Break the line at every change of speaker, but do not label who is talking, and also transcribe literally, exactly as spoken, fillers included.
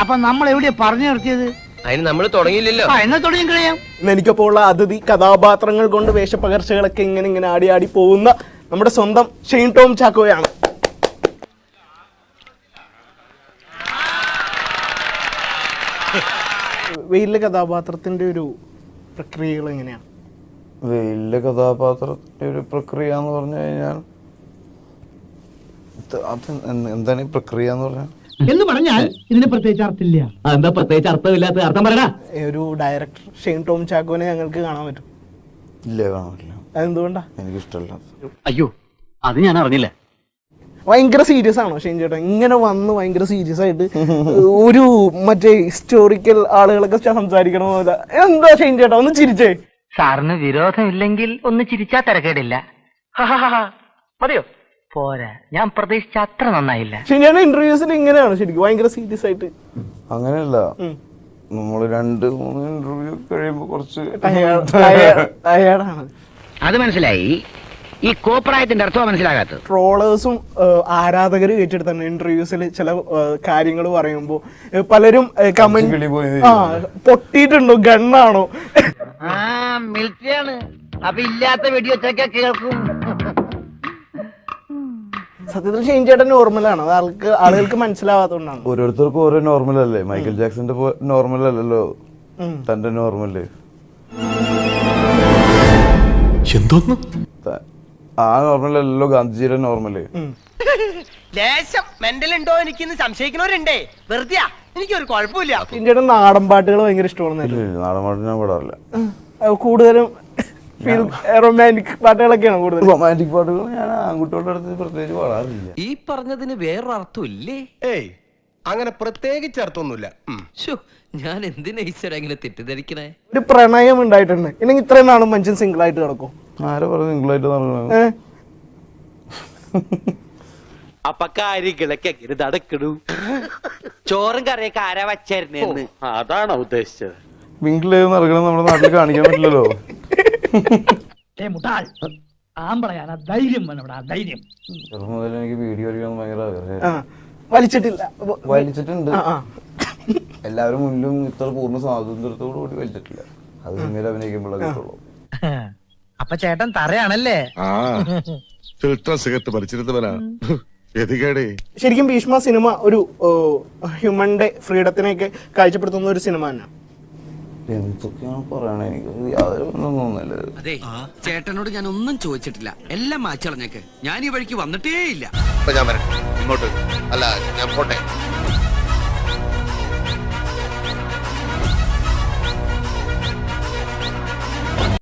അപ്പൊ നമ്മൾ എവിടെയാ പറഞ്ഞു നിർത്തിയത്?
അതിന് നമ്മൾ തുടങ്ങിയില്ലല്ലോ.
എന്നാ തുടങ്ങി കഴിയാം.
എനിക്കൊപ്പം ഉള്ള അതിഥി കഥാപാത്രങ്ങൾ കൊണ്ട് വേഷപ്പകർച്ചകളൊക്കെ ഇങ്ങനെ ഇങ്ങനെ ആടി ആടി പോകുന്ന നമ്മുടെ സ്വന്തം ഷെയ്ൻ ടോം ചാക്കോയാണ്. വെയിലിലെ കഥാപാത്രത്തിന്റെ ഒരു പ്രക്രിയകൾ എങ്ങനെയാണ്?
വെയിലിലെ കഥാപാത്രത്തിന്റെ ഒരു പ്രക്രിയ എന്ന് പറഞ്ഞു കഴിഞ്ഞാൽ അത് എന്താണ് ഈ പ്രക്രിയ എന്ന് പറഞ്ഞാൽ
എന്ന് പറഞ്ഞാൽ ഇതിന് പ്രത്യേകിച്ച് അർത്ഥമില്ല.
എന്താ പ്രത്യേകിച്ച് അർത്ഥമില്ലാത്ത അർത്ഥം പറയടാ.
ഒരു ഡയറക്ടർ ഷെയ്ൻ ടോം ചാക്കോനെ ഞങ്ങൾക്ക് കാണാൻ പറ്റും?
ഇല്ല, കാണാൻ പറ്റില്ല.
അതെന്തുകൊണ്ടാ?
എനിക്കിഷ്ടമല്ല.
അയ്യോ, അത് ഞാൻ അറിഞ്ഞില്ല.
ഭയങ്കര സീരിയസ് ആണോ ഷെയ്ൻ ചേട്ടാ? ഇങ്ങനെ വന്ന് ഭയങ്കര സീരിയസ് ആയിട്ട് ഒരു മറ്റേ ഹിസ്റ്റോറിക്കൽ ആളുകളൊക്കെ സംസാരിക്കണ പോലെ. എന്താ ഷെയ്ൻ ചേട്ടാ ഒന്ന് ചിരിച്ചേ?
സാറിന് വിരോധമില്ലെങ്കിൽ ഒന്ന് ചിരിച്ചാ തിരക്കേടില്ല. മതിയോ? പോരാ, ഞാൻ പ്രതീക്ഷിച്ച അത്ര നന്നായില്ല.
ഷെയ്ൻ ചേട്ടാ ഇന്റർവ്യൂസിൽ ഇങ്ങനെയാണ് ശരിക്കും ഭയങ്കര സീരിയസ് ആയിട്ട്?
അങ്ങനെയല്ല, നമ്മള് രണ്ട് മൂന്ന് ഇന്റർവ്യൂ കഴിയുമ്പോ കുറച്ച്
ടയേർഡാണ്.
അത് മനസ്സിലായി. ഈ കോപ്രായത്തിന്റെ അർത്ഥം മനസ്സിലാകാത്തത്.
ട്രോളേഴ്സും ആരാധകരും ഏറ്റെടുത്താണ് ഇന്റർവ്യൂസിൽ ചില കാര്യങ്ങൾ പറയുമ്പോ പലരും കമന്റ് ആ പൊട്ടിയിട്ടുണ്ടോ, ഗണ്ണാണോ?
ആ മിലിറ്ററിയാണ്, അപ്പൊ ഇല്ലാത്ത വെടിവെച്ചൊക്കെ കേൾക്കും.
സത്യത്തിൽ ഷെയ്ൻ ചേട്ടൻ നോർമലാണ്, അത് ആൾക്ക് ആളുകൾക്ക് മനസ്സിലാവാത്തതുകൊണ്ടാണ്.
ഓരോരുത്തർക്കും ഓരോ നോർമൽ അല്ലേ. മൈക്കൽ ജാക്സന്റെ നോർമൽ അല്ലല്ലോ തന്റെ നോർമല്.
എന്തോന്ന്
ആ നോർമൽ അല്ലല്ലോ ഗാന്ധിജിയുടെ നോർമല്.
ലേശം മെന്റൽ ഉണ്ടോ എനിക്കിന്ന് സംശയിക്കുന്നവരുണ്ടേ. വെറുതെ എനിക്കൊരു കുഴപ്പമില്ല.
ഷെയ്ൻ ചേട്ടൻ നാടൻ പാട്ടുകൾ ഭയങ്കര ഇഷ്ടമാണെന്നല്ലേ?
നാടൻ പാട്ട് ഞാൻ പാടാറില്ല.
കൂടുതലും റൊമാൻറ്റിക് പാട്ടുകളൊക്കെയാണ് കൂടുതൽ.
റൊമാൻറ്റിക് പാട്ടുകൾ ഞാൻ ആൺകുട്ടികളുടെ അടുത്ത് പ്രത്യേകിച്ച് പാടാറില്ല.
ഈ പറഞ്ഞതിന് വേറൊരു അർത്ഥം ഇല്ലേ?
ഏയ് അങ്ങനെ പ്രത്യേകിച്ച് അർത്ഥമൊന്നുമില്ല.
ഞാൻ എന്തിനാ ഈശ്വര ഇങ്ങനെ തെറ്റിദ്ധരിക്കണേ?
ഒരു പ്രണയം ഉണ്ടായിട്ടുണ്ട് ഇല്ലെങ്കിൽ ഇത്രയും നാളും മനുഷ്യൻ സിംഗിൾ ആയിട്ട് കിടക്കും?
ആരെ പറഞ്ഞു സിംഗിളായിട്ട് നടക്കണത്?
അപ്പൊ കാര്യങ്ങളൊക്കെ നടക്കണു. ചോറും കറിയൊക്കെ ആരാ വച്ചായിരുന്നേന്ന് അതാണോ ഉദ്ദേശിച്ചത്?
മിങ്കിൾ ചെയ്ത് നടക്കണം നമ്മുടെ നാട്ടിൽ കാണിക്കാൻ പറ്റില്ലല്ലോ. ചെറുപ്പം മുതൽ എനിക്ക് വീഡിയോ കളിക്കാൻ ഭയങ്കര ആഗ്രഹം.
വലിച്ചിട്ടില്ല?
വലിച്ചിട്ടുണ്ട്. എല്ലാവരും മുന്നിലും ഇത്ര പൂർണ്ണ സ്വാതന്ത്ര്യത്തോടു കൂടി വലിച്ചിട്ടില്ല. അത് സിനിമയിൽ അഭിനയിക്കുമ്പോഴേ കിട്ടുള്ളൂ.
അപ്പൊ ചേട്ടൻ തറയാണല്ലേ?
Filter cigarette വലിച്ചിരുന്നവനാ. ഗതികേടേ.
ശരിക്കും ഭീഷ്മ സിനിമ ഒരു ഹ്യൂമന്റെ ഫ്രീഡത്തിനെയൊക്കെ കാഴ്ചപ്പെടുത്തുന്ന ഒരു സിനിമ തന്നെ.
എന്തൊക്കെയാണ് പറയണേ, എനിക്ക് യാതൊരു ഒന്നും തോന്നുന്നില്ല.
അതെ, ചേട്ടനോട് ഞാൻ ഒന്നും ചോദിച്ചിട്ടില്ല, എല്ലാം മാച്ചളഞ്ഞേക്ക്. ഞാൻ ഈ വഴിക്ക് വന്നിട്ടേ ഇല്ല.
ഞാൻ വരട്ടെ ഇങ്ങോട്ട്. അല്ല ഞാൻ പോട്ടെ.